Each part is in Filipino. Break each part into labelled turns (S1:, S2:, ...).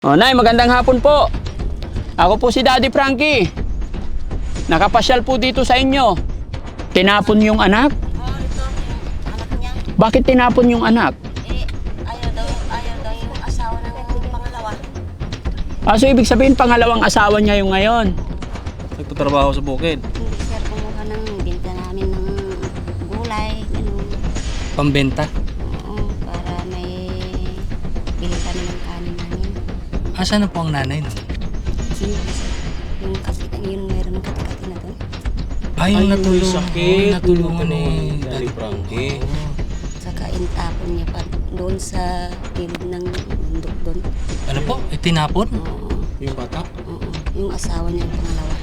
S1: Oh, Nay, magandang hapon po. Ako po si Daddy Frankie. Nakapasyal po dito sa inyo. Tinapon yung anak?
S2: Oh, ito, yung anak niya.
S1: Bakit tinapon yung anak?
S2: Ayaw daw yung asawa ng pangalawa.
S1: So ibig sabihin pangalawang asawa niya yung ngayon.
S3: Nagtatrabaho sa bukid.
S2: Hindi, sir, kumuha ng binta namin ng gulay, gano'n.
S3: Pambenta.
S2: Oo, para may bili kami ng kanin namin.
S3: Asan na po ang nanay nun?
S2: Sino kasi? Yung kasi, yun meron ng katikati na doon.
S3: Ay, yung natulong.
S4: sakit.
S3: Natulungan ni
S4: Daddy Frankie.
S2: Saka intapon niya pa doon sa gilid ng bundok doon.
S3: Ano po? Tinapon?
S2: Oo,
S4: Yung bata?
S2: oo. Yung asawa niya yung pangalawa.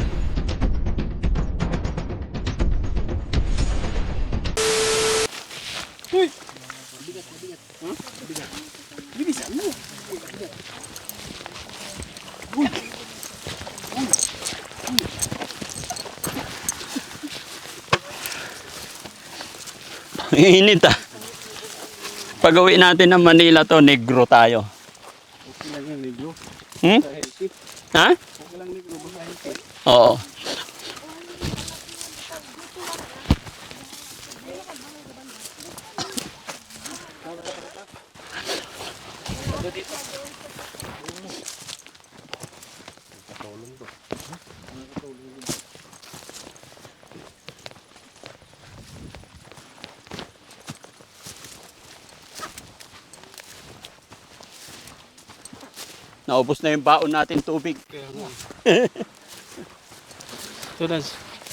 S1: Init ah. Pag-uwi natin ng Manila to, negro tayo.
S4: Okay lang yung negro.
S1: Hmm? Ha?
S4: Okay lang negro. Basta healthy.
S1: Oo. Naubos na yung baon natin tubig.
S4: So, Dads.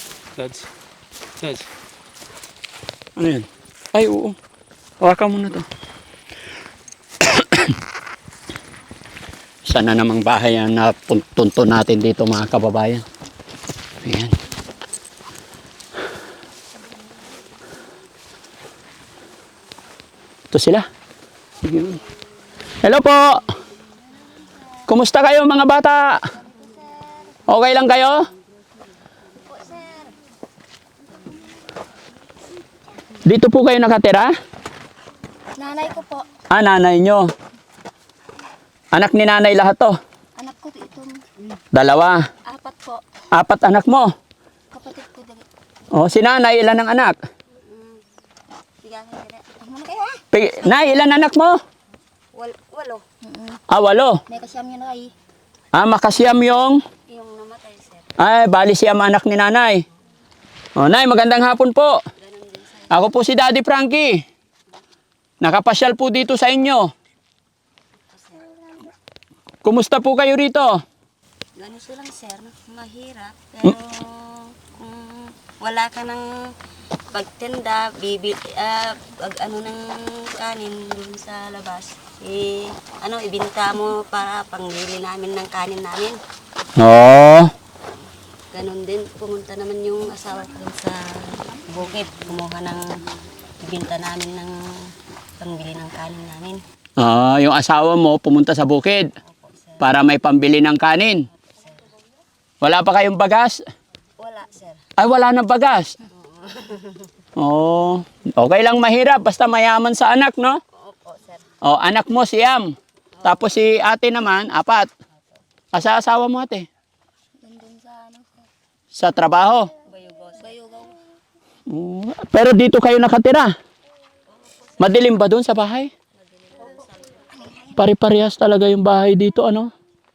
S1: Ano yan? Ay, oo. Hawakan mo na to. Sana namang bahay yan na tunto natin dito mga kababayan. Ayan. Ito sila. Hello po. Kumusta kayo mga bata? Okay lang kayo? Dito po kayo nakatira?
S2: Nanay ko po.
S1: Nanay nyo. Anak ni nanay lahat to?
S2: Anak ko itong
S1: Dalawa.
S2: apat po.
S1: 4 anak mo.
S2: Kapatid ko dali.
S1: Si nanay, ilan ang anak?
S2: Bigyan ko dire. Ano kayo ha?
S1: Nay, ilan anak mo?
S2: Walo.
S1: 8.
S2: May kasiyam yun ay.
S1: Makasiyam yung...
S2: Yung namatay, sir.
S1: Bali siyam anak ni nanay. Nay, magandang hapon po. Ako po si Daddy Frankie. Nakapasyal po dito sa inyo. Kumusta po kayo rito?
S2: Ganito lang, sir. Mahirap. Pero kung wala ka ng pagtinda, ano ng kanin dun sa labas, ibinta mo para pangbili namin ng kanin namin.
S1: Oo.
S2: Ganon din, pumunta naman yung asawa ko dun sa bukid. Kumuha ng ibinta namin ng pangbili ng kanin namin.
S1: Yung asawa mo pumunta sa bukid
S2: Opo, sir.
S1: para may pambili ng kanin. Wala pa kayong bagas?
S2: Wala, sir.
S1: Ay, wala na bagas. Okay lang mahirap basta mayaman sa anak, no?
S2: Opo, sir.
S1: Anak mo siyam. Tapos si ate naman, 4. Asa asawa mo ate?
S2: Nandun sa sir?
S1: Sa trabaho.
S2: Bayugaw. Bayugaw.
S1: Pero dito kayo nakatira. Madilim ba doon sa bahay? Pare-parehas talaga yung bahay dito, ano?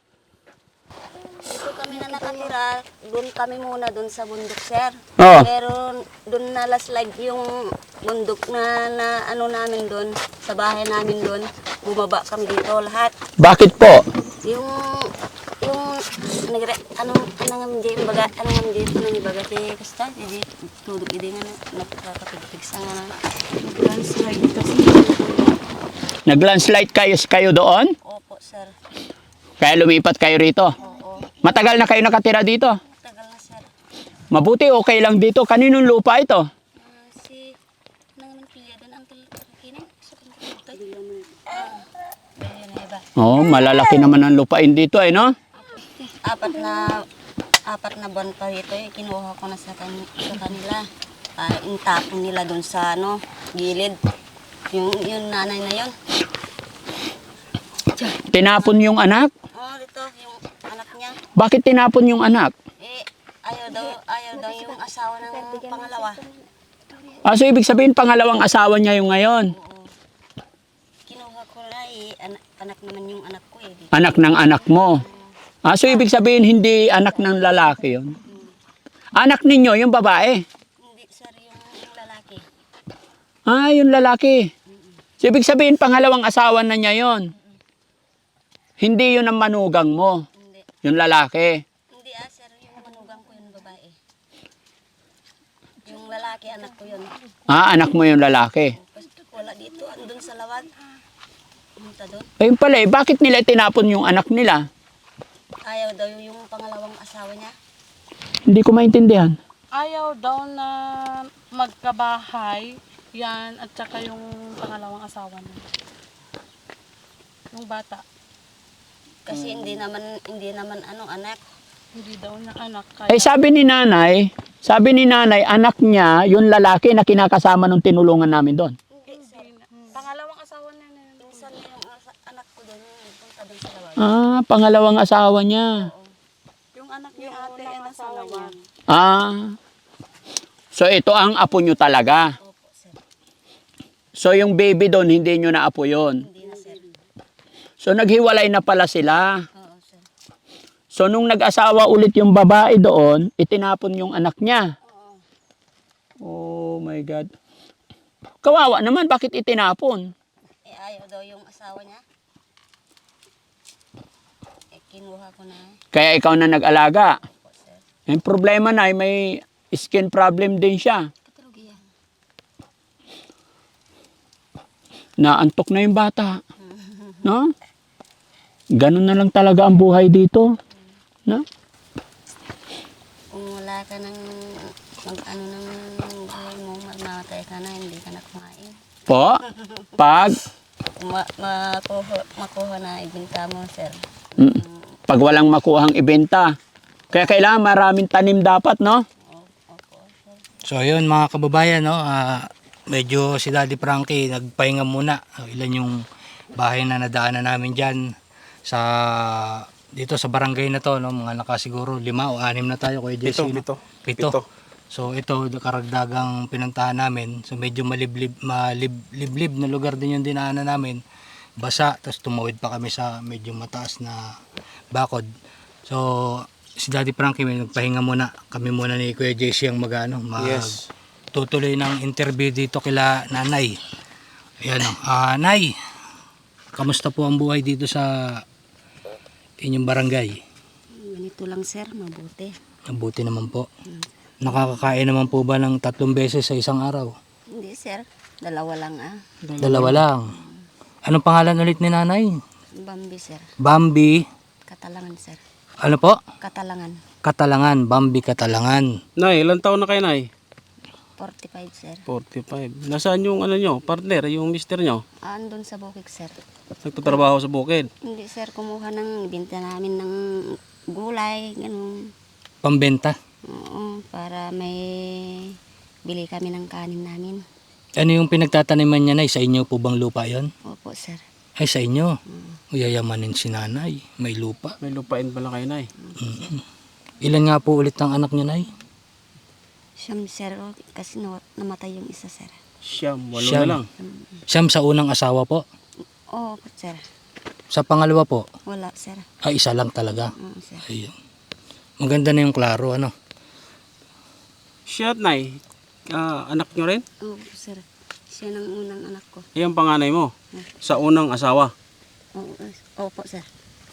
S2: Dito kami na nakatira, doon kami muna doon sa bundok, sir.
S1: Oo.
S2: Pero doon na laslag yung bundok na ano namin doon, sa bahay namin doon. Bumaba kami dito lahat.
S1: Bakit po?
S2: Yung anong baga ti kasta di tudok idi nga nakakapigpig sa nga landslide kasi.
S1: Nag-landslide kayo doon?
S2: Opo, sir.
S1: Kaya lumipat kayo rito?
S2: Oo.
S1: Matagal na kayo nakatira dito?
S2: Tagal na, sir.
S1: Mabuti, okay lang dito. Kaninong lupa ito?
S2: Si nang pilya doon ang kinin sa kanto.
S1: Malalaki naman ang lupain dito, no?
S2: Apat na buwan pa rito, kinuha ko na sa kanila. Intapon nila doon sa gilid. Yung nanay na yon.
S1: Tinapon yung anak?
S2: Oh, dito, yung anak niya.
S1: Bakit tinapon yung anak?
S2: Eh, ayaw daw yung asawa ng pangalawa.
S1: So ibig sabihin pangalawang asawa niya yung ngayon.
S2: Oo. Kinuha ko na eh, anak naman yung anak ko eh.
S1: Anak ng anak mo. So ibig sabihin hindi anak ng lalaki yon. Anak ninyo yung babae.
S2: Hindi, sir, yung lalaki.
S1: Yung lalaki. So ibig sabihin pangalawang asawa na niya yon. Hindi yun ang manugang mo.
S2: Hindi.
S1: Yung lalaki.
S2: Hindi sir, yung manugang ko yung babae. Yung lalaki, anak ko yun.
S1: Anak mo yung lalaki.
S2: Basta wala dito, andun sa lawag. Pumunta doon.
S1: Ayun pala bakit nila tinapon yung anak nila?
S2: Ayaw daw yung pangalawang asawa niya.
S1: Hindi ko maintindihan.
S5: Ayaw daw na magkabahay yan at saka yung pangalawang asawa niya. Yung bata.
S2: Kasi hindi naman anak.
S5: Hindi daw na anak. Kaya
S1: Sabi ni nanay, anak niya, yung lalaki na kinakasama nung tinulungan namin doon.
S2: Hindi, sir.
S5: pangalawang asawa niya na yun.
S2: Minsan yung anak ko doon, yung punta doon sa lawag.
S1: Pangalawang asawa niya.
S5: Yung anak ni ate ay nasa lawag.
S1: So ito ang apo nyo talaga.
S2: Opo, sir.
S1: So yung baby doon, hindi nyo na apo yun.
S2: Hindi na, sir.
S1: So naghiwalay na pala sila.
S2: Oo, sir.
S1: So nung nag-asawa ulit yung babae doon, itinapon yung anak niya. Oh my God. Kawawa naman, bakit itinapon?
S2: Ayaw daw yung asawa niya. Kinuha ko na.
S1: Kaya ikaw na nag-alaga.
S2: Opo, sir.
S1: Yung problema na may skin problem din siya.
S2: Katulugiya.
S1: Naantok na yung bata. No? Ganun na lang talaga ang buhay dito. No?
S2: Kung wala ka ng ng buhay mo, mamatay ka na, hindi ka na kumain.
S1: Po? Pag?
S2: Makuha na ibinta mo, sir.
S1: Pag walang makuhang ibenta. Kaya kailangan maraming tanim dapat, no?
S2: Opo, sir.
S3: So ayun mga kababayan, no, medyo si Daddy Frankie nagpahinga muna. Ilan yung bahay na nadaanan namin dyan dito sa barangay na to, no, mga nakasiguro 5 o 6 na tayo, Kuya Jesse. Pito. So ito karagdagang pinuntahan namin. So medyo maliblib na lugar din yung dinaanan namin. Basa, tapos tumawid pa kami sa medyo mataas na bakod. So si Daddy Frankie may nagpahinga muna. Kami muna ni Kuya Jesse ang
S4: Yes.
S3: tutuloy ng interview dito kila Nanay. Ayan o. Nay, kamusta po ang buhay dito sa inyong barangay?
S2: Ganito lang, sir, mabuti.
S3: Mabuti naman po. Nakakakain naman po ba ng 3 beses sa isang araw?
S2: Hindi, sir. 2 lang,
S3: 2 lang. Anong pangalan ulit ni Nanay?
S2: Bambi, sir.
S3: Bambi.
S2: Katalangan, sir.
S3: Ano po?
S2: Katalangan.
S3: Katalangan. Bambi Katalangan.
S4: Nay, ilang taon na kayo, Nay?
S2: 45, sir.
S4: 45. Nasaan yung nyo, partner, yung mister nyo?
S2: Andun sa bukid, sir.
S4: Nagtatrabaho sa bukid.
S2: Hindi, sir. Kumuha ng binta namin ng gulay, ganun.
S3: Pambenta.
S2: Oo, para may bili kami ng kanin namin.
S3: Ano yung pinagtataniman niya, Nay? Sa inyo po bang lupa yon?
S2: Opo, sir.
S3: Ay, sa inyo. Uyayamanin si Nanay. May lupa.
S4: May lupain pala kayo, Nay.
S3: Ilan nga po ulit ang anak niya, Nay?
S2: Siyam, sir. Kasi namatay yung isa, sir.
S4: Siyam, 8
S3: Siyam.
S4: na lang.
S3: Siyam sa unang asawa po.
S2: Oo, sir.
S3: Sa pangalawa po,
S2: Wala, sir.
S3: isa lang talaga.
S2: Oo, sir.
S3: Ayun. Maganda na yung klaro, ano?
S4: Siya, Nay, anak nyo rin?
S2: Oo, sir. Siya ng unang anak ko.
S4: Yung panganay mo? Sa unang asawa?
S2: Oo, opo, sir.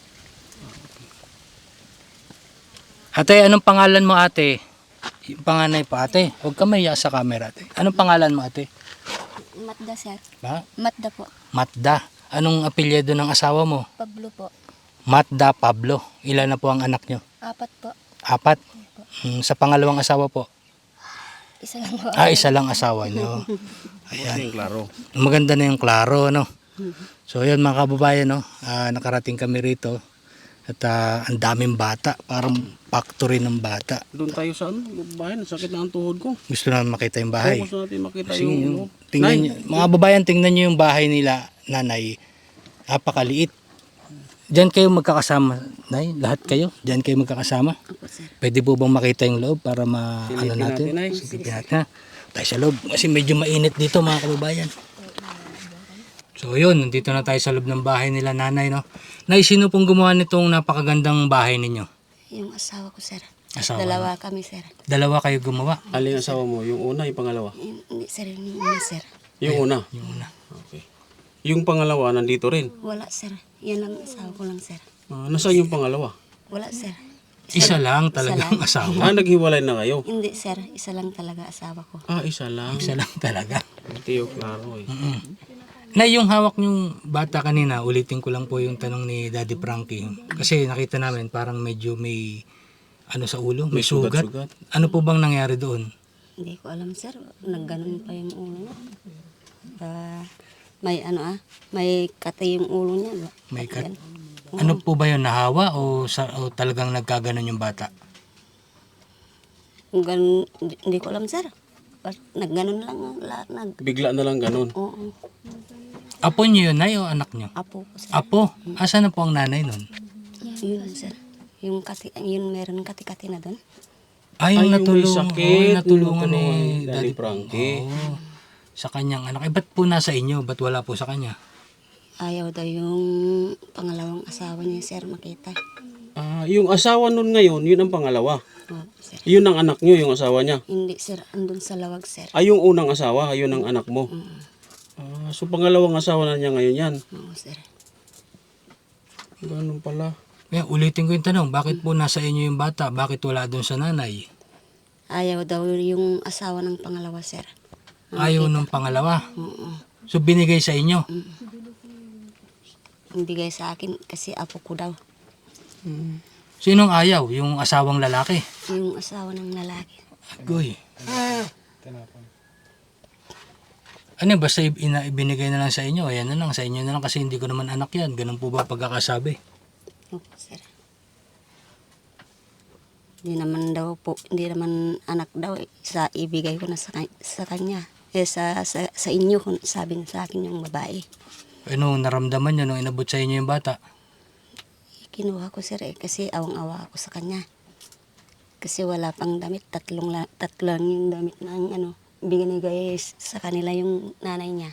S3: Ate, anong pangalan mo, ate? Yung panganay pa, ate. Huwag ka mahiya sa camera, ate. Anong pangalan mo, ate?
S2: Matda, sir.
S3: Ha?
S2: Matda po.
S3: Matda. Anong apelyido ng asawa mo?
S2: Pablo po.
S3: Matda Pablo. Ilan na po ang anak nyo?
S2: 4 po.
S3: 4? Sa pangalawang asawa po?
S2: Isa lang po.
S3: Isa lang asawa nyo.
S4: Ayan. Yung klaro.
S3: Maganda na yung klaro, no? So, yun mga kababayan, no? Nakarating kami rito. At ang daming bata. Parang factory ng bata.
S4: Doon tayo sa bahay, sakit na ang tuhod ko.
S3: Gusto namin makita yung bahay.
S4: Gusto natin makita
S3: Kasi
S4: yung...
S3: tingnan
S4: Nay,
S3: nyo, mga babayan, tingnan nyo yung bahay nila, Nanay. Napakaliit. Diyan kayo magkakasama, Nay? Lahat kayo? Diyan kayo magkakasama?
S2: Opo, sir.
S3: Pwede po bang makita yung loob para
S4: Silipin natin, Nay.
S3: Silipin natin, ha? Tayo sa loob. Kasi medyo mainit dito, mga kababayan. So yun, nandito na tayo sa loob ng bahay nila nanay, no? Nay, sino pong gumawa nitong napakagandang bahay ninyo?
S2: Yung asawa ko, sir.
S3: Asawa
S2: Dalawa kami, sir.
S3: Dalawa kayo gumawa.
S4: Alin ang asawa mo? Yung una, yung pangalawa?
S2: Hindi, sir. Yung una, sir.
S4: Yung una?
S3: Yung una.
S4: Okay. Yung pangalawa, nandito rin.
S2: Wala, sir. Yan lang asawa ko lang, sir.
S4: Nasaan yung pangalawa?
S2: Wala, sir.
S3: Isa lang talagang
S2: lang.
S3: asawa.
S4: Naghiwalay na kayo?
S2: Hindi, sir. Isa lang talaga asawa ko.
S4: Isa lang.
S3: Isa lang talaga.
S4: Hindi yung klaro eh.
S3: Nay, yung hawak yung bata kanina, ulitin ko lang po yung tanong ni Daddy Frankie. Kasi nakita namin parang medyo may ano sa ulo, may sugat.
S4: sugat.
S3: Ano po bang nangyari doon?
S2: Hindi ko alam, sir. Nagganon pa yung ulo niya. May may kati yung ulo niya.
S3: May kat-
S2: Yan.
S3: Ano po ba yun, nahawa o talagang nagkaganon yung bata?
S2: Kung ganun, hindi ko alam, sir. Nagganon lang.
S4: Bigla na lang ganun.
S2: Oo.
S3: Apo niyo yun, Nay, o anak niyo?
S2: Apo ko, sir.
S3: Apo? Asa na po ang nanay nun?
S2: Yun, sir. Yung kati, yun meron kati-kati na doon.
S3: Ay, yung
S4: may
S3: natulungan.
S4: sakit,
S3: Oo, natulungan ni
S4: Daddy
S3: Daddy
S4: Frankie.
S3: Oo. Sa kanyang anak. Eh, ba't po nasa inyo? Ba't wala po sa kanya?
S2: Ayaw daw yung pangalawang asawa niya, sir, makita.
S4: Yung asawa nun ngayon, yun ang pangalawa.
S2: Oo, sir.
S4: Yun ang anak nyo, yung asawa niya.
S2: Hindi, sir. Andun sa lawag, sir.
S4: Yung unang asawa, yun ang anak mo. So pangalawang asawa na niya ngayon yan.
S2: Oo, sir.
S4: Ganun pala.
S3: Eh, ulitin ko yung tanong, bakit po nasa inyo yung bata? Bakit wala doon sa nanay?
S2: Ayaw daw yung asawa ng pangalawa, sir.
S3: Ayaw nung pangalawa.
S2: Oo.
S3: So binigay sa inyo.
S2: Bigay sa akin kasi apo ko daw.
S3: Sinong ayaw? Yung asawang lalaki.
S2: Yung asawa ng lalaki.
S3: Agoy. Ano, basta ibinigay na lang sa inyo. Ayan na lang, sa inyo na lang kasi hindi ko naman anak yan. Ganun po ba pagkakasabi?
S2: Opo, sir. Hindi naman anak daw. Sa ibigay ko na sa kanya. Sa inyo, sabi na sa akin yung babae.
S3: Ano, naramdaman nyo nung inabot sa inyo yung bata?
S2: Kinuha ko, sir, kasi awang-awa ako sa kanya. Kasi wala pang damit. Tatlo lang yung damit ng binigay sa kanila yung nanay niya.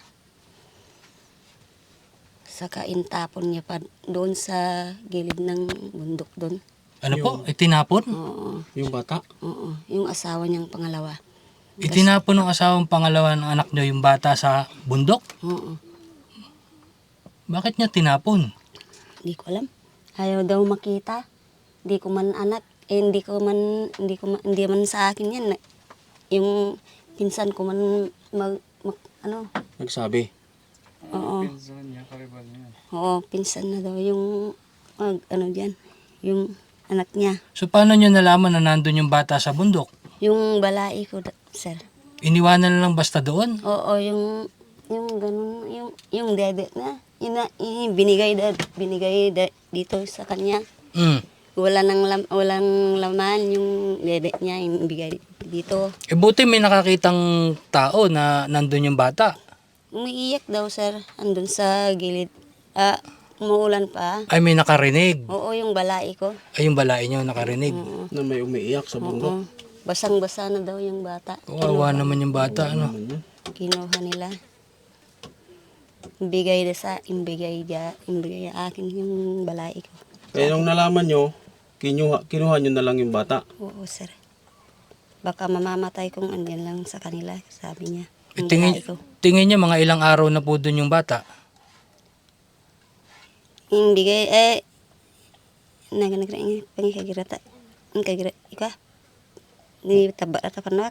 S2: Saka intapon niya pa doon sa gilid ng bundok doon.
S3: Ano po? Itinapon?
S2: Oo.
S4: Yung bata.
S2: Oo. Yung asawa niyang pangalawa.
S3: Itinapon ng asawang pangalawa ng anak nyo yung bata sa bundok?
S2: Oo.
S3: Bakit niya tinapon?
S2: Hindi ko alam. Ayaw daw makita. Hindi ko man anak. Hindi man sa akin yan. Yung pinsan ko man
S4: Nagsabi.
S2: Oo. Oo, pinsan na daw yung diyan. Yung anak niya.
S3: So paano nyo nalaman na nandun yung bata sa bundok?
S2: Yung balai ko, sir.
S3: Iniwanan na lang basta doon?
S2: Oo, yung ganun, yung dede na. Yung binigay dito sa kanya.
S3: Mm.
S2: Walang laman yung dede niya, yung bigay dito.
S3: Eh buti may nakakitang tao na nandun yung bata.
S2: Umiiyak daw, sir. Andun sa gilid. Umuulan pa.
S3: Ay may nakarinig.
S2: Oo, yung balai ko.
S3: Ay yung balay nyo nakarinig.
S4: Na may umiiyak sa bundok.
S2: Oo. Basang-basa na daw yung bata.
S3: Kawawa naman yung bata. Ano?
S2: Kinuha nila. Imbigay akin yung balai ko.
S4: Kaya nung nalaman nyo, kinuha nyo na lang yung bata.
S2: Oo, sir. Baka mamamatay kung andyan lang sa kanila, sabi niya.
S3: Eh,
S2: Yung
S3: tingin,
S2: balai ko.
S3: tingin niya mga ilang araw na po doon yung bata.
S2: Imbigay, pangikagirata. Ika. Ni tabata panwak.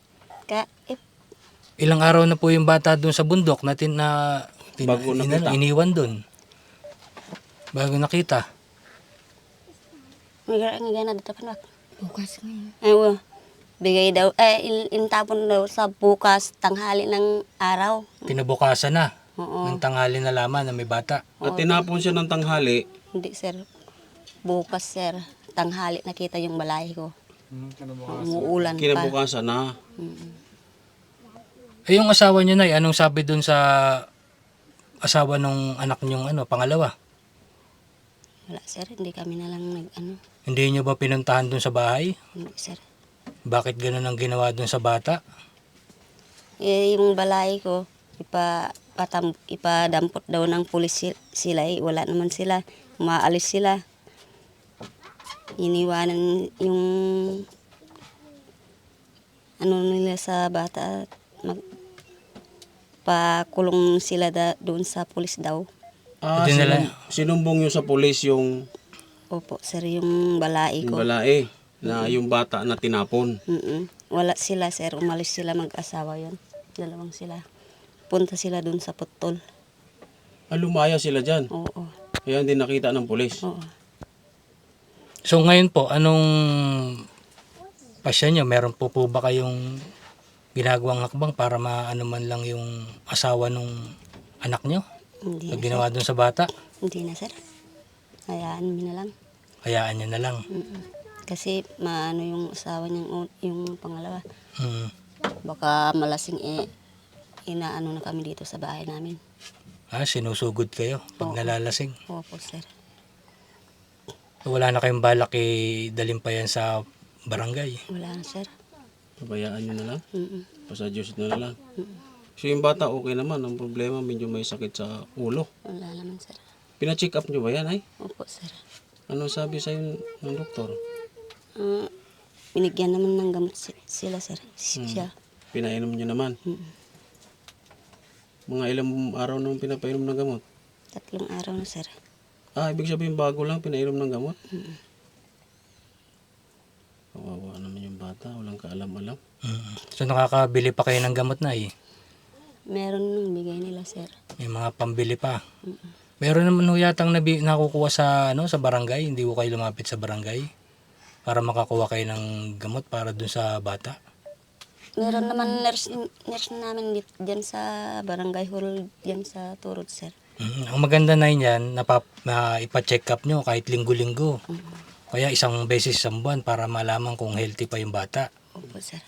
S3: Ilang araw na po yung bata doon sa bundok na
S4: Bago nakita.
S3: iniwan doon. Bago nakita.
S2: Nga na dito panwak. Bukas ngayon. Aywa. Bigay daw, intapon daw sa bukas, tanghali ng araw.
S3: Kinabukasan na.
S2: Oo.
S3: Ng tanghali na laman na may bata.
S4: At tinapon siya ng tanghali.
S2: Hindi, sir. Bukas, sir. Tanghali nakita yung balay ko. Umuulan pa.
S4: Kinabukasan na.
S3: Eh yung asawa niyo na, anong sabi doon sa asawa nung anak niyong pangalawa?
S2: Wala sir, hindi kami na lang nag-ano.
S3: Hindi nyo ba pinuntahan dun sa bahay?
S2: Hindi sir.
S3: Bakit ganun ang ginawa dun sa bata?
S2: Eh, yung balay ko, ipadampot daw ng pulis sila. Eh. Wala naman sila. Umaalis sila. Iniwanan yung ano nila sa bata. Pakulong sila doon sa pulis daw.
S3: Hindi nila-
S4: Sinumbong nyo sa pulis yung
S2: Opo, sir, yung balay ko.
S4: balae na yung bata na tinapon.
S2: Wala sila, sir. Umalis sila mag-asawa yon. Dalawang sila. Punta sila doon sa putol.
S4: Lumaya sila dyan.
S2: Oo,
S4: Kaya hindi nakita ng pulis.
S2: oo.
S3: So ngayon po, anong pasya nyo? Meron po ba kayong ginagawang hakbang para maano man lang yung asawa nung anak nyo?
S2: Hindi
S3: Na
S2: na,
S3: ginawa dun sa bata?
S2: hindi na, sir. Hayaan mo na lang.
S3: Hayaan nyo na lang.
S2: Kasi maano yung asawa niyang yung pangalawa.
S3: Hmm.
S2: Baka malasing inaano na kami dito sa bahay namin.
S3: Sinusugod kayo pag
S2: Oo.
S3: nalalasing.
S2: Opo, sir.
S3: Wala na kayong balak dalhin pa yan sa barangay.
S2: Wala na, sir.
S4: Pabayaan nyo na lang.
S2: Mm-mm.
S4: Pasadyos na lang. So yung bata okay naman. Ang problema medyo may sakit sa ulo.
S2: Wala naman, sir.
S4: Pina-check up nyo ba yan ay?
S2: Opo, sir.
S4: Ano sabi sa'yo ng doktor?
S2: Binigyan naman ng gamot sila, sir. Siya.
S4: Pinainom nyo naman. Mga ilang araw nung pinapainom ng gamot?
S2: 3 araw na, sir.
S4: Ibig sabihin bago lang pinainom ng gamot? Kawawa naman yung bata. Walang kaalam-alam.
S3: So nakakabili pa kayo ng gamot na
S2: Meron nung bigay nila, sir.
S3: May mga pambili pa. Meron naman ho yatang nakukuha sa sa barangay, hindi ko kayo lumapit sa barangay para makakuha kayo ng gamot para dun sa bata.
S2: Meron naman nurse namin diyan sa barangay hall diyan sa Turod, sir.
S3: Ang maganda na yan, ipa-check up nyo kahit linggo-linggo. Kaya isang beses sa buwan para malaman kung healthy pa yung bata.
S2: Opo, sir.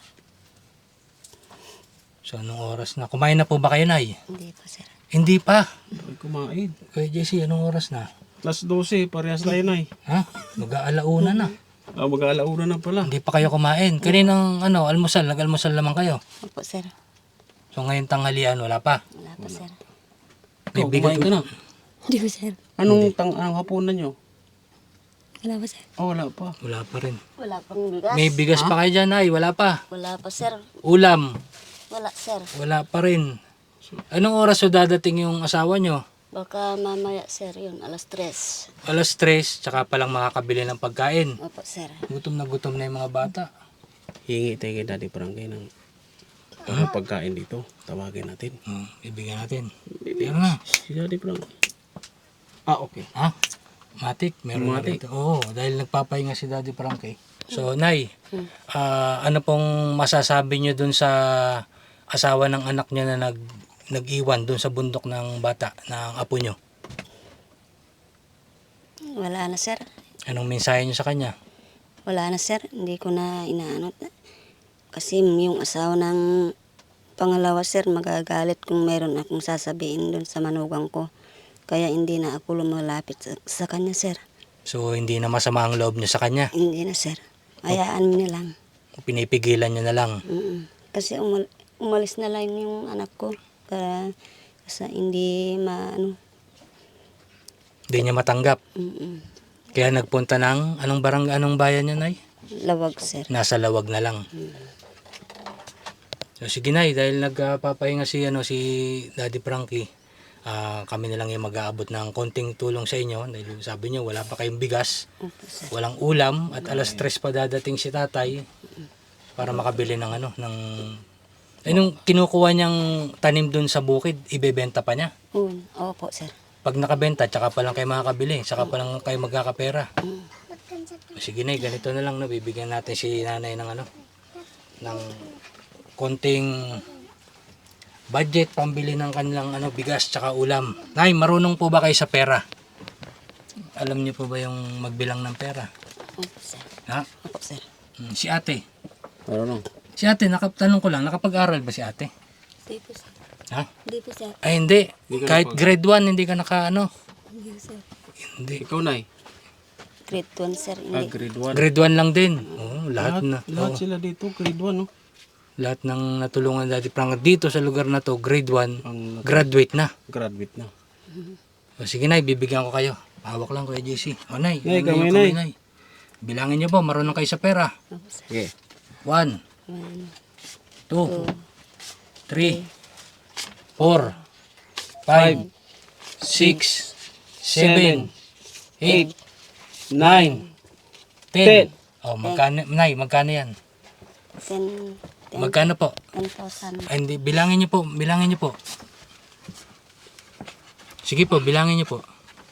S3: So anong oras na? Kumain na po ba kayo, Nay?
S2: Hindi pa, sir.
S3: Hindi pa.
S4: Ay, kumain.
S3: Kuya Jesse, anong oras na?
S4: Plus 12, parehas tayo na eh.
S3: Mag-aalauna na.
S4: Mag-aalauna na pala.
S3: Hindi pa kayo kumain. Kaninang almusal, nag-almusal naman kayo.
S2: Opo, sir.
S3: So ngayon tanghalian, wala pa.
S2: Wala pa, sir.
S3: May bigat
S4: Kumain ka na.
S2: Hindi pa, sir.
S4: Anong hapunan nyo?
S2: Wala pa, sir.
S4: Wala pa.
S3: Wala pa rin.
S2: Wala pang bigas.
S3: May bigas pa kayo dyan, Ay. Wala pa.
S2: Wala pa, sir.
S3: Ulam.
S2: Wala, sir.
S3: Wala pa rin. Anong oras so dadating yung asawa nyo?
S2: Baka mamaya, sir, yun. 3:00.
S3: Alas 3, tsaka palang makakabili ng pagkain.
S2: Opo, sir.
S3: Gutom na yung mga bata.
S4: Hingi tayo kay Daddy Frankie ng pagkain dito. Tawagin natin.
S3: Ibigyan natin. Meron na.
S4: Si Daddy Frankie. Okay.
S3: Matik, meron na
S4: Matik.
S3: rito. Oo, dahil nagpapahinga si Daddy Frankie. So, Nay, ano pong masasabi nyo dun sa asawa ng anak niya na nag-iwan dun sa bundok ng bata, ng apo nyo?
S2: Wala na, sir.
S3: Anong mensahe nyo sa kanya?
S2: Wala na, sir. Hindi ko na inaanot. Kasi yung asawa ng pangalawa, sir, magagalit kung mayroon akong sasabihin doon sa manugang ko. Kaya hindi na ako lumalapit sa kanya, sir.
S3: So, hindi na masama ang loob nyo sa kanya?
S2: Hindi na, sir. Hayaan mo na lang.
S3: Pinipigilan nyo na lang?
S2: Kasi umalis na lang yung anak ko. Para sa hindi
S3: Hindi niya matanggap?
S2: Mm-mm.
S3: Kaya nagpunta ng anong barangay, anong bayan niya, Nay?
S2: Lawag, sir.
S3: Nasa Lawag na lang. So sige, Nay, dahil nagpapahinga si Daddy Frankie, kami na lang yung mag-aabot ng konting tulong sa inyo. Dahil sabi niyo wala pa kayong bigas,
S2: Opo, sir.
S3: walang ulam, at alas 3 pa dadating si tatay para makabili ng nung kinukuha niyang tanim dun sa bukid, ibebenta pa niya.
S2: Opo, sir.
S3: Pag nakabenta, tsaka pa lang kayo makakabili, tsaka pa lang kayo magkakapera. Sige, Nay, ganito na lang, bibigyan natin si nanay ng ng konting budget pambili ng kanilang bigas tsaka ulam. Nay, marunong po ba kayo sa pera? Alam niyo po ba yung magbilang ng pera?
S2: Opo, sir.
S3: Ha?
S2: Opo, sir.
S3: Si ate.
S4: Ano?
S3: Si ate, tanong ko lang, nakapag-aral ba si ate?
S2: Hindi po, sir.
S3: Ha?
S2: Hindi po, sir.
S3: Ay, hindi.
S4: Hindi ka
S3: Kahit grade 1, hindi ka
S2: Hindi, sir.
S3: Hindi.
S4: Ikaw, Nay.
S2: grade 1 sir. Hindi.
S4: Grade 1.
S3: Grade 1 lang din. Oo, lahat na.
S4: Lahat
S3: Oo,
S4: sila dito, grade 1, no?
S3: lahat ng natulungan Daddy Frank dito sa lugar na to, grade 1,
S4: Ang
S3: graduate na.
S4: graduate na.
S3: O, sige Nay, bibigyan ko kayo. Hawak lang Kuya JC. O Nay,
S4: Nay,
S3: ano yung
S4: kamay,
S3: kamay, Nay. Bilangin niyo po, marunong kayo sa pera.
S2: Opo, sir.
S4: Sige.
S3: 1,
S2: 1,
S3: 2,
S2: 2,
S3: 3, 4, 5, 6, 7, 8, 9, 10. Oh, magkano, Nay, magkano yan?
S2: 10,
S3: Magkano po?
S2: 10,000.
S3: Ay, hindi, bilangin niyo po, bilangin niyo po. Sige po, bilangin niyo po.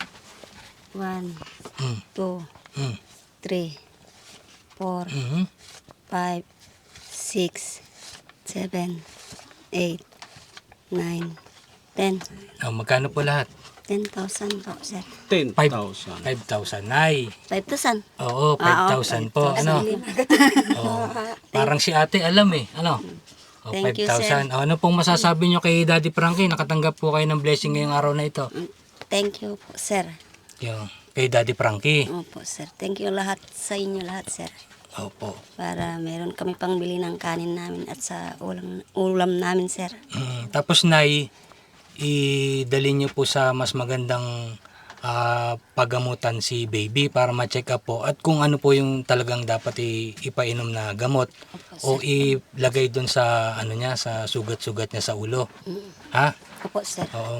S2: 1,
S3: Mm.
S2: 2,
S3: Mm.
S2: 3, 4,
S3: Mhm.
S2: 5, 6, 7, 8, 9, 10.
S3: Oh, magkano po lahat?
S2: 10,000 po, sir.
S4: 10,000.
S3: 5,000. Nay.
S2: 5,000.
S3: Oo, 5,000 po. Ano? Oh, parang si ate alam eh. Ano? Oh,
S2: Thank you,
S3: 5,000. Oh, ano pong masasabi nyo kay Daddy Frankie? Nakatanggap po kayo ng blessing ngayong araw na ito.
S2: Thank you po, sir.
S3: Yung, kay Daddy Frankie.
S2: Opo, sir. Thank you lahat sa inyo lahat, sir.
S3: Opo.
S2: Para meron kami pang bili ng kanin namin at sa ulam namin, sir.
S3: Tapos Nay, idali nyo po sa mas magandang pagamutan si baby para ma-check up po at kung ano po yung talagang dapat ipainom na gamot o ilagay doon sa ano niya sa sugat-sugat niya sa ulo. Ha?
S2: Opo, sir.
S3: Oo,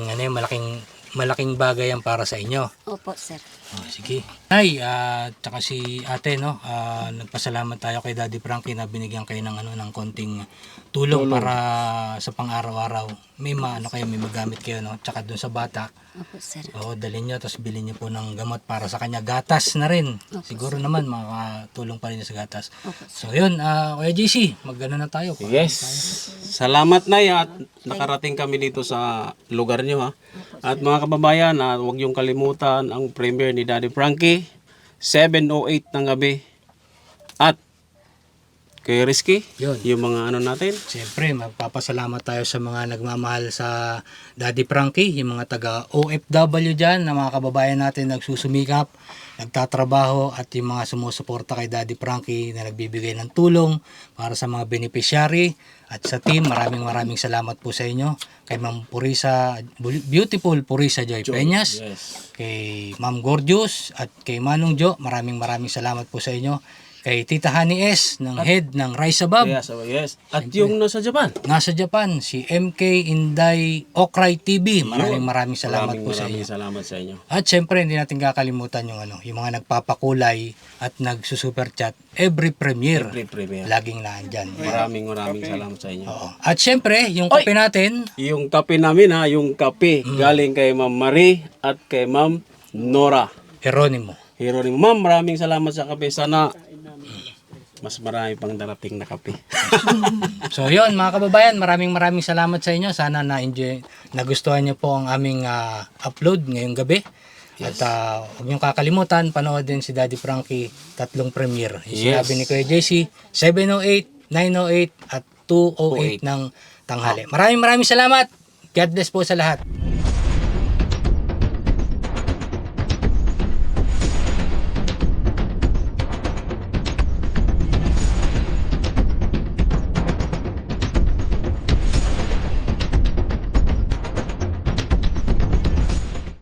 S3: malaking bagay yan para sa inyo.
S2: Opo, sir.
S3: Oh, sige. Nay, tsaka si ate, no, nagpasalamat tayo kay Daddy Frankie na binigyan kayo ng, ng konting tulong para sa pang-araw-araw. May magamit kayo, no, tsaka dun sa bata.
S2: Opo, sir.
S3: Oo, dalhin nyo, tapos bilhin nyo po ng gamot para sa kanya. Gatas na rin. Siguro naman, makakatulong pa rin sa gatas.
S2: Opo,
S3: So, yun, Kuya JC, mag-ano na tayo.
S4: Yes. Salamat na at nakarating kami dito sa lugar nyo, ha. At mga kababayan, huwag yung kalimutan ang premiere ni Daddy Frankie, 7:08 ng gabi. At kay Rizky,
S3: Yun.
S4: yung mga ano natin.
S3: Siyempre, magpapasalamat tayo sa mga nagmamahal sa Daddy Frankie, yung mga taga OFW dyan, na mga kababayan natin nagsusumikap, nagtatrabaho, at yung mga sumusuporta kay Daddy Frankie na nagbibigay ng tulong para sa mga beneficiary. At sa team, maraming salamat po sa inyo. Kay Ma'am Purisa, Beautiful Purisa Joy Peñas, kay Ma'am Gorgeous, at kay Manong Jo, maraming salamat po sa inyo. Kay Tita Honey S, ng head ng Rise Above.
S4: Yes. At yung nasa Japan.
S3: Nasa Japan, si MK Inday Okray TV. Maraming salamat po sa inyo.
S4: Salamat sa inyo.
S3: At syempre, hindi natin kakalimutan yung mga nagpapakulay at nagsusuper chat every premiere.
S4: Every premiere.
S3: Laging naandyan.
S4: Maraming salamat sa inyo.
S3: Oo. At syempre, yung kape natin,
S4: Yung kape namin, ha, yung kape galing kay Ma'am Marie at kay Ma'am Nora.
S3: Geronimo.
S4: Hero ni Ma'am, maraming salamat sa kape. Sana mas marami pang darating na kape.
S3: So yun mga kababayan, maraming salamat sa inyo. Sana nagustuhan niyo po ang aming upload ngayong gabi. At huwag niyong kakalimutan, panood din si Daddy Frankie, 3 premiere. Yung sinabi ni Kuya JC, 7:08, 9:08 at 2:08 ng tanghali. Maraming salamat. God bless po sa lahat.